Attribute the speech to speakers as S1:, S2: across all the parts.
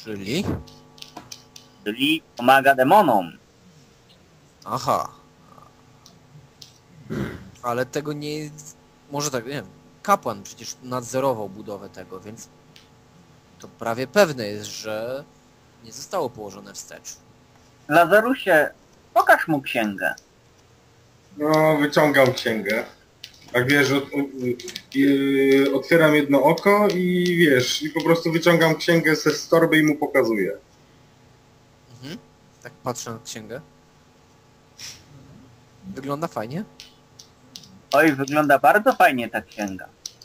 S1: Czyli?
S2: Czyli pomaga demonom.
S1: Aha. Ale tego nie... Może tak, nie wiem. Kapłan przecież nadzorował budowę tego, więc to prawie pewne jest, że nie zostało położone wstecz.
S2: Lazarusie, pokaż mu księgę.
S3: No, wyciągam księgę. Tak wiesz, otwieram jedno oko i wiesz, i po prostu wyciągam księgę z torby i mu pokazuję.
S1: Mhm. Tak patrzę na księgę. Wygląda fajnie.
S2: Oj, wygląda bardzo fajnie ta księga.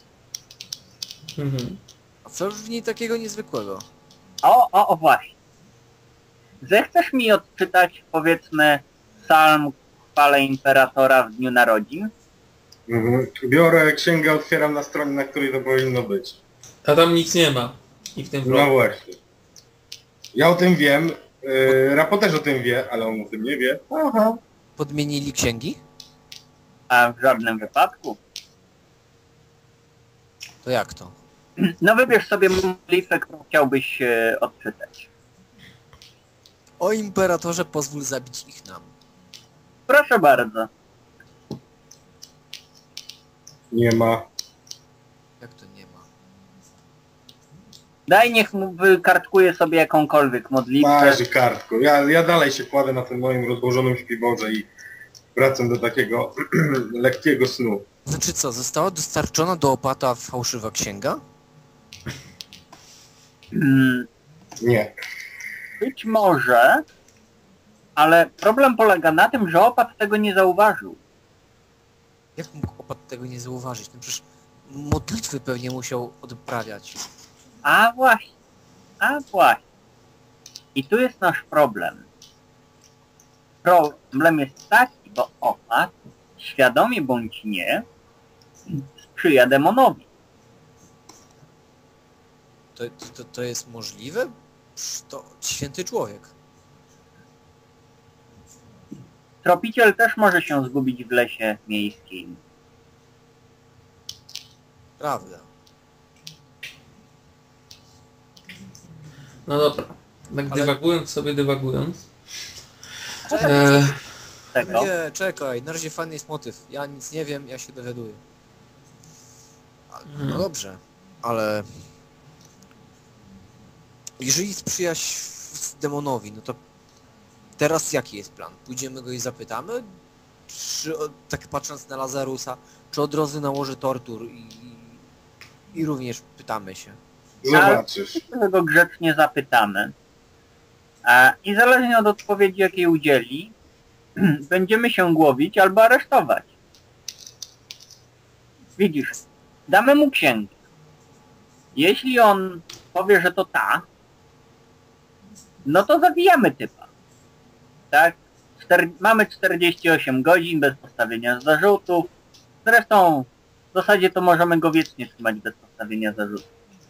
S4: Mhm.
S1: A co w niej takiego niezwykłego?
S2: O właśnie. Zechcesz mi odczytać, powiedzmy, psalm chwale imperatora w dniu narodzin?
S3: Mhm. Biorę księgę, otwieram na stronie, na której to powinno być.
S4: A tam nic nie ma. I w tym
S3: No
S4: vlogu.
S3: właśnie. Ja o tym wiem, Rapo też o tym wie, ale on o tym nie wie. Aha.
S1: Podmienili księgi?
S2: A w żadnym wypadku.
S1: To jak to?
S2: No wybierz sobie modlitwę, którą chciałbyś odczytać.
S1: O imperatorze, pozwól zabić ich nam.
S2: Proszę bardzo.
S3: Nie ma.
S1: Jak to nie ma?
S2: Daj, niech mu wykartkuje sobie jakąkolwiek modlitwę.
S3: Masz kartku. Ja dalej się kładę na tym moim rozłożonym śpiworze i wracam do takiego lekkiego snu.
S1: Znaczy co, została dostarczona do opata fałszywa księga?
S2: Mm,
S3: Nie.
S2: Być może, ale problem polega na tym, że opat tego nie zauważył.
S1: Jak mógł opat tego nie zauważyć? No przecież modlitwy pewnie musiał odprawiać.
S2: A właśnie, a właśnie. I tu jest nasz problem. Problem jest taki, bo opat, świadomie bądź nie, sprzyja demonowi.
S1: To jest możliwe? Przecież to święty człowiek.
S2: Tropiciel też może się zgubić w lesie miejskim.
S1: Prawda.
S4: No dobra. Tak
S1: Ale-
S4: dywagując.
S2: Tego.
S1: Nie, czekaj, na razie fajny jest motyw. Ja nic nie wiem, ja się dowiaduję. No dobrze, ale... Jeżeli sprzyjaś demonowi, no to teraz jaki jest plan? Pójdziemy go i zapytamy? Czy, tak patrząc na Lazarusa, czy od razu nałoży tortur i również pytamy się?
S3: Zobaczysz.
S2: My go grzecznie zapytamy. I zależnie od odpowiedzi, jakiej udzieli, będziemy się głowić albo aresztować. Widzisz, damy mu księgę. Jeśli on powie, że to ta, no to zawijamy typa. Tak? Mamy 48 godzin bez postawienia zarzutów. Zresztą w zasadzie to możemy go wiecznie trzymać bez postawienia zarzutów.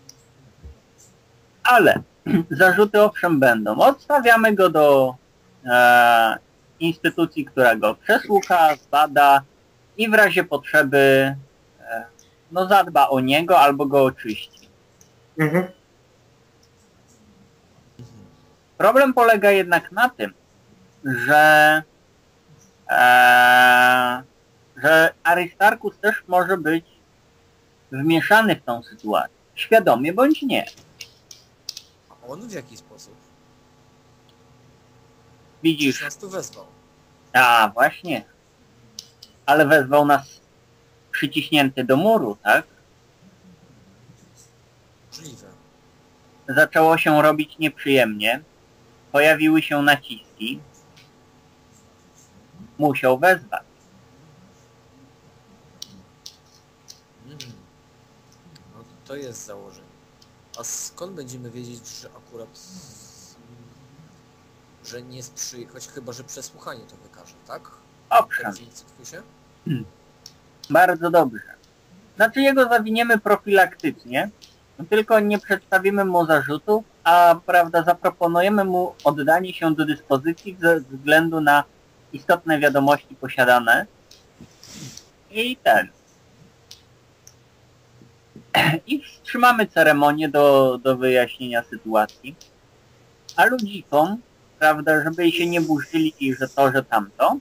S2: Ale zarzuty owszem będą. Odstawiamy go do instytucji, która go przesłucha, zbada i w razie potrzeby no zadba o niego albo go oczyści.
S3: Mhm.
S2: Problem polega jednak na tym, że Aristarchus też może być wmieszany w tą sytuację. Świadomie bądź nie.
S1: A on w jaki sposób?
S2: Widzisz,
S1: Przecież nas tu wezwał.
S2: a właśnie, ale wezwał nas przyciśnięty do muru, tak?
S1: Możliwe.
S2: Zaczęło się robić nieprzyjemnie, pojawiły się naciski, musiał wezwać.
S1: No to jest założenie. A skąd będziemy wiedzieć, że akurat... że nie sprzyja... choć chyba, że przesłuchanie to wykaże, tak?
S2: Owszem,
S1: Teraz nie cytuj się?
S2: bardzo dobrze. Znaczy jego zawiniemy profilaktycznie, tylko nie przedstawimy mu zarzutów, a prawda, zaproponujemy mu oddanie się do dyspozycji ze względu na istotne wiadomości posiadane i i wstrzymamy ceremonię do wyjaśnienia sytuacji. A ludzikom, prawda, żeby się nie burzyli i że to, że tamto,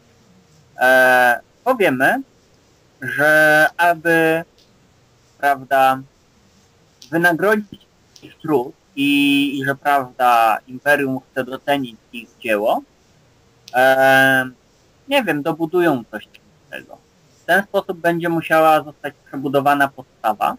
S2: powiemy, że aby, prawda, wynagrodzić ich trud i że, prawda, Imperium chce docenić ich dzieło, nie wiem, dobudują coś tego. W ten sposób będzie musiała zostać przebudowana podstawa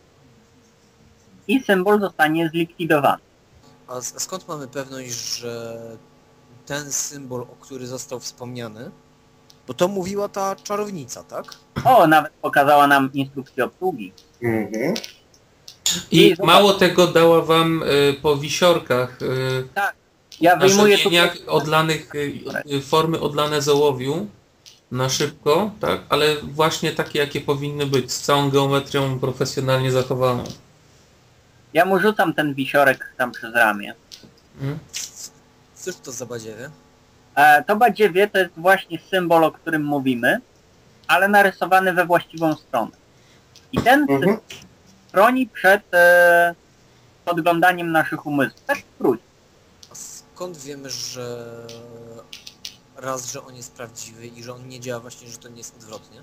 S2: i symbol zostanie zlikwidowany.
S1: A skąd mamy pewność, że ten symbol, o który został wspomniany, bo to mówiła ta czarownica, tak?
S2: O, nawet pokazała nam instrukcję obsługi.
S3: Mhm.
S4: I mało tego dała wam po wisiorkach
S2: Ja
S4: na
S2: wyjmuję tu...
S4: rzemieniach odlanych, formy odlane z ołowiu na szybko, tak? Ale właśnie takie, jakie powinny być, z całą geometrią profesjonalnie zachowaną.
S2: Ja mu rzucam ten wisiorek tam przez ramię.
S4: Mm?
S1: Cóż to za badziewie?
S2: To badziewie to jest właśnie symbol, o którym mówimy, ale narysowany we właściwą stronę. I ten symbol chroni przed podglądaniem naszych umysłów. Tak wróć.
S1: A skąd wiemy, że raz, że on jest prawdziwy i że on nie działa właśnie, że to nie jest odwrotnie?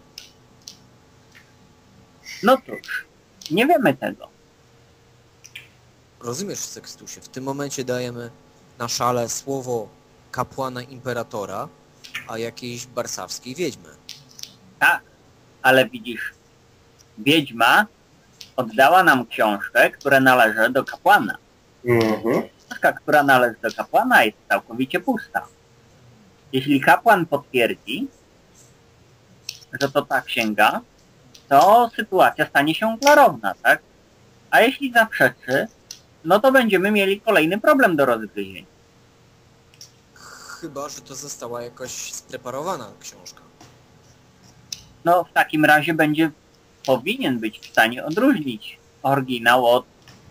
S2: No cóż, nie wiemy tego.
S1: Rozumiesz, Sekstusie, w tym momencie dajemy na szale słowo kapłana imperatora, a jakiejś barsawskiej wiedźmy.
S2: Tak, ale widzisz, wiedźma oddała nam książkę, która należy do kapłana.
S3: Mhm.
S2: Książka, która należy do kapłana, jest całkowicie pusta. Jeśli kapłan potwierdzi, że to ta księga, to sytuacja stanie się klarowna, tak? A jeśli zaprzeczy, no to będziemy mieli kolejny problem do rozgryzienia.
S1: Chyba, że to została jakoś spreparowana książka.
S2: No w takim razie powinien być w stanie odróżnić oryginał od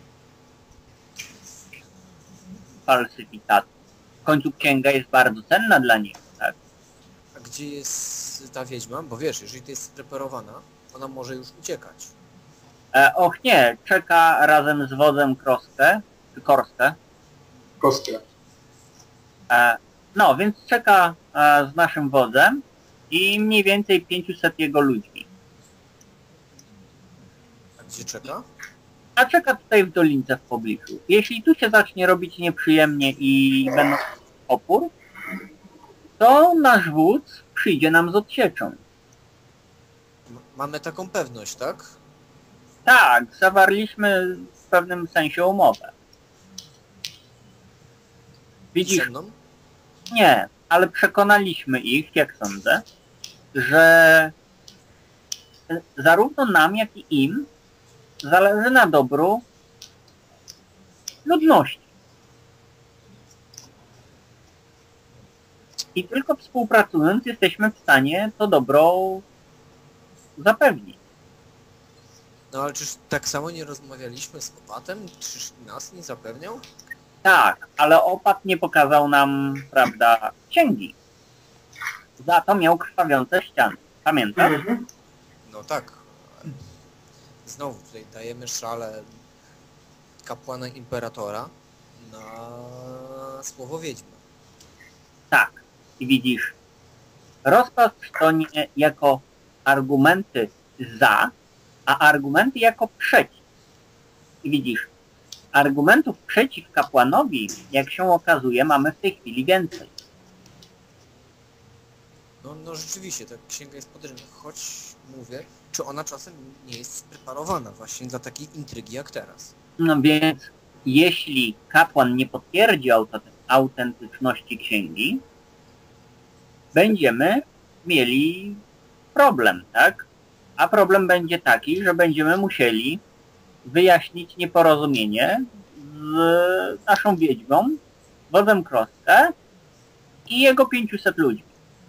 S2: falsyfikatu. W końcu księga jest bardzo cenna dla niego, tak?
S1: A gdzie jest ta wiedźma? Bo wiesz, jeżeli to jest spreparowana, ona może już uciekać.
S2: Och nie, czeka razem z wodzem Kroskę, czy Korskę.
S3: Kostkę.
S2: No, więc czeka z naszym wodzem i mniej więcej 500 jego ludźmi.
S1: A gdzie czeka?
S2: A czeka tutaj w dolince w pobliżu. Jeśli tu się zacznie robić nieprzyjemnie i będą opór, to nasz wódz przyjdzie nam z odsieczą.
S1: Mamy taką pewność, tak?
S2: Tak, zawarliśmy w pewnym sensie umowę. Widzisz,
S1: Ze mną?
S2: nie, ale przekonaliśmy ich, jak sądzę, że zarówno nam, jak i im zależy na dobru ludności. I tylko współpracując jesteśmy w stanie to dobro zapewnić.
S1: No ale czyż tak samo nie rozmawialiśmy z opatem? Czyż nas nie zapewniał?
S2: Tak, ale opat nie pokazał nam, prawda, księgi. Za to miał krwawiące ściany. Pamiętasz?
S3: Mhm.
S1: No tak. Znowu tutaj dajemy szale kapłana imperatora na słowo wiedźmy.
S2: Tak. I widzisz, rozpatrz to nie jako argumenty za, a argumenty jako przeciw. I widzisz, argumentów przeciw kapłanowi, jak się okazuje, mamy w tej chwili więcej.
S1: No rzeczywiście, ta księga jest podejrzana, choć mówię, czy ona czasem nie jest spreparowana właśnie dla takiej intrygi jak teraz.
S2: No więc, jeśli kapłan nie potwierdzi autentyczności księgi, będziemy mieli problem, tak? A problem będzie taki, że będziemy musieli wyjaśnić nieporozumienie z naszą wiedźmą, wodzem Kroskę i jego 500 ludźmi.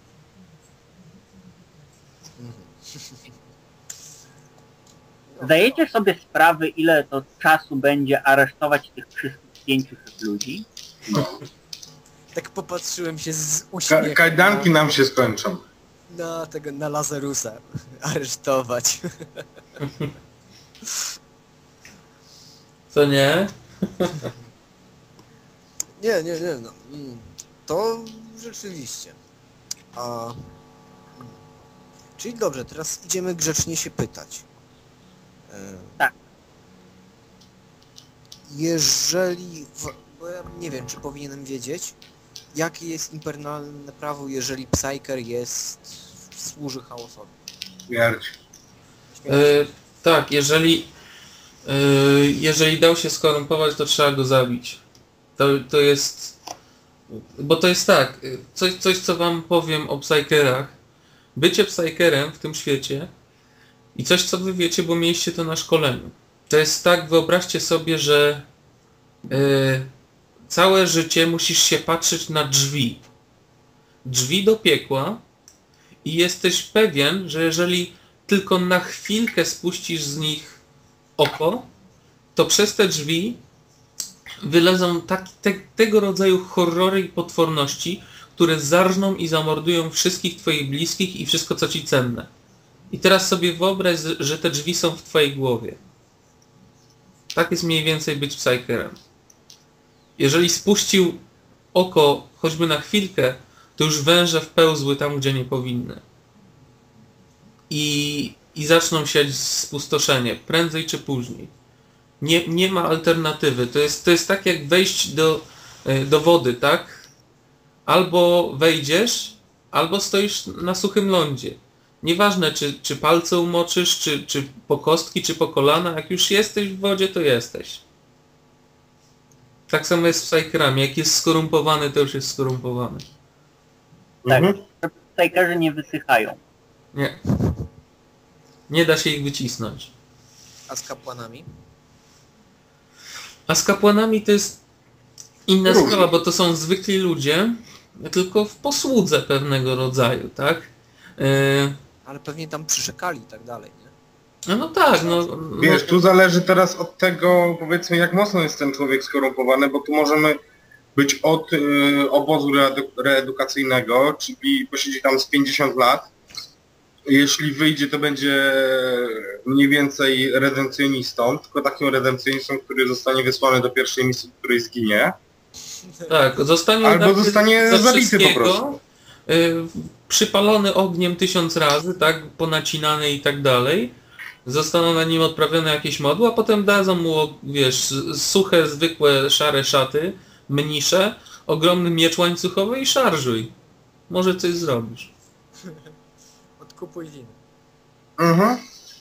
S2: Zdajecie sobie sprawę, ile to czasu będzie aresztować tych wszystkich 500 ludzi?
S1: Tak popatrzyłem się z uśmiechem
S3: Kajdanki nam się skończą.
S1: na Lazarusa aresztować.
S4: Co nie?
S1: Nie, no. To rzeczywiście. Czyli dobrze, teraz idziemy grzecznie się pytać.
S2: Tak.
S1: Jeżeli... Bo ja nie wiem, czy powinienem wiedzieć, jakie jest imperialne prawo, jeżeli Psyker służy chaosowi.
S3: Śmierć.
S4: Tak, jeżeli dał się skorumpować, to trzeba go zabić. To jest... Bo to jest tak, coś co wam powiem o Psykerach. Bycie Psykerem w tym świecie i coś co wy wiecie, bo mieliście to na szkoleniu. To jest tak, wyobraźcie sobie, że całe życie musisz się patrzeć na drzwi. Drzwi do piekła i jesteś pewien, że jeżeli tylko na chwilkę spuścisz z nich oko, to przez te drzwi wylezą tego rodzaju horrory i potworności, które zarżną i zamordują wszystkich twoich bliskich i wszystko co ci cenne. I teraz sobie wyobraź, że te drzwi są w twojej głowie. Tak jest mniej więcej być Psykerem. Jeżeli spuścił oko choćby na chwilkę, to już węże wpełzły tam, gdzie nie powinny. I zaczną siać spustoszenie, prędzej czy później. Nie ma alternatywy. To jest tak jak wejść do wody, tak? Albo wejdziesz, albo stoisz na suchym lądzie. Nieważne, czy palce umoczysz, czy po kostki, czy po kolana. Jak już jesteś w wodzie, to jesteś. Tak samo jest z Psykerami. Jak jest skorumpowany, to już jest skorumpowany.
S2: Tak.
S3: Mhm.
S2: Psykerzy nie wysychają.
S4: Nie. Nie da się ich wycisnąć.
S1: A z kapłanami?
S4: A z kapłanami to jest inna sprawa, bo to są zwykli ludzie, tylko w posłudze pewnego rodzaju, tak?
S1: Ale pewnie tam przyrzekali i tak dalej, nie?
S4: No tak, no...
S3: Wiesz, tu zależy teraz od tego, powiedzmy, jak mocno jest ten człowiek skorumpowany, bo tu możemy być od obozu reedukacyjnego, czyli posiedzi tam z 50 lat. Jeśli wyjdzie, to będzie mniej więcej redempcjonistą, tylko takim redempcjonistą, który zostanie wysłany do pierwszej misji, w której zginie.
S4: Tak, zostanie
S3: Albo
S4: zabity
S3: zostanie
S4: ze
S3: zabity po
S4: wszystkiego,
S3: prostu.
S4: Przypalony ogniem 1000 razy, tak, ponacinany i tak dalej. Zostaną na nim odprawione jakieś modły, a potem dadzą mu, wiesz, suche, zwykłe, szare szaty, mnisze, ogromny miecz łańcuchowy i szarżuj. Może coś zrobisz.
S1: Odkupuj winy.
S3: Mhm.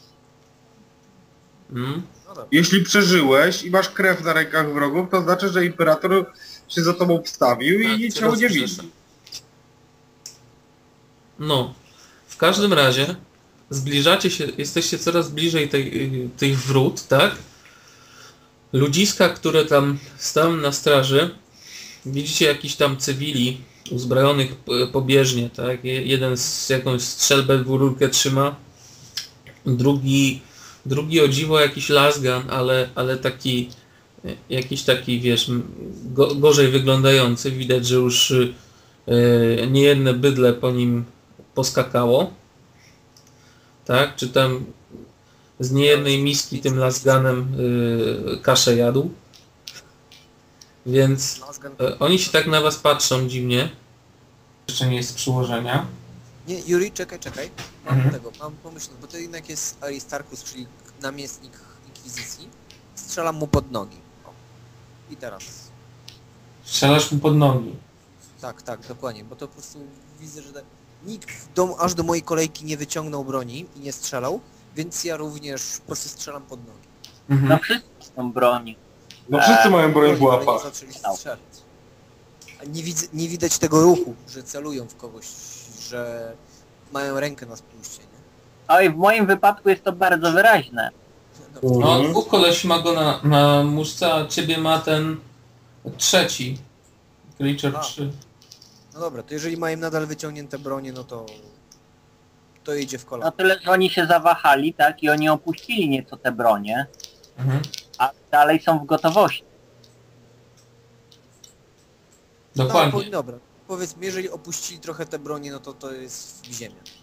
S4: Mm?
S1: No dobra.
S3: Jeśli przeżyłeś i masz krew na rękach wrogów, to znaczy, że imperator się za tobą wstawił
S4: Tak,
S3: i cię
S4: teraz
S3: udzielił.
S4: przyszedł. No, w każdym razie zbliżacie się, jesteście coraz bliżej tych wrót, tak? Ludziska, które tam stały na straży, widzicie jakichś tam cywili uzbrojonych pobieżnie, tak? Jeden z jakąś strzelbę w rurkę trzyma, drugi o dziwo jakiś lasgun, ale taki jakiś taki, wiesz, gorzej wyglądający. Widać, że już niejedne bydle po nim poskakało. Tak? Czy tam z niejednej miski tym lasgunem kaszę jadł. Więc
S1: Lasgan...
S4: oni się tak na was patrzą dziwnie. Jeszcze nie jest przyłożenia.
S1: Nie, Yuri, czekaj. Mam
S4: Mhm.
S1: mam pomysł, bo to jednak jest Aristarchus, czyli namiestnik Inkwizycji. Strzelam mu pod nogi. O. I teraz.
S4: Strzelasz mu pod nogi.
S1: Tak, dokładnie, bo to po prostu widzę, że nikt aż do mojej kolejki nie wyciągnął broni i nie strzelał, więc ja również po prostu strzelam pod nogi.
S2: No wszyscy są broni.
S3: No wszyscy mają broń w
S1: Ale nie
S3: łapach.
S1: zaczęli strzelać. A nie widać tego ruchu, że celują w kogoś, że mają rękę na spuście, nie?
S2: Oj, w moim wypadku jest to bardzo wyraźne.
S1: No,
S4: No, dwóch koleś ma go na muszce, a ciebie ma ten trzeci. Creature
S1: A.
S4: 3.
S1: no dobra, to jeżeli mają nadal wyciągnięte bronie, no to idzie w
S2: No
S1: kolano.
S2: tyle, że oni się zawahali, tak? I oni opuścili nieco te bronie,
S4: Mhm.
S2: a dalej są w gotowości.
S4: Dokładnie.
S1: No, dobra, powiedzmy, jeżeli opuścili trochę te bronie, no to jest w ziemię.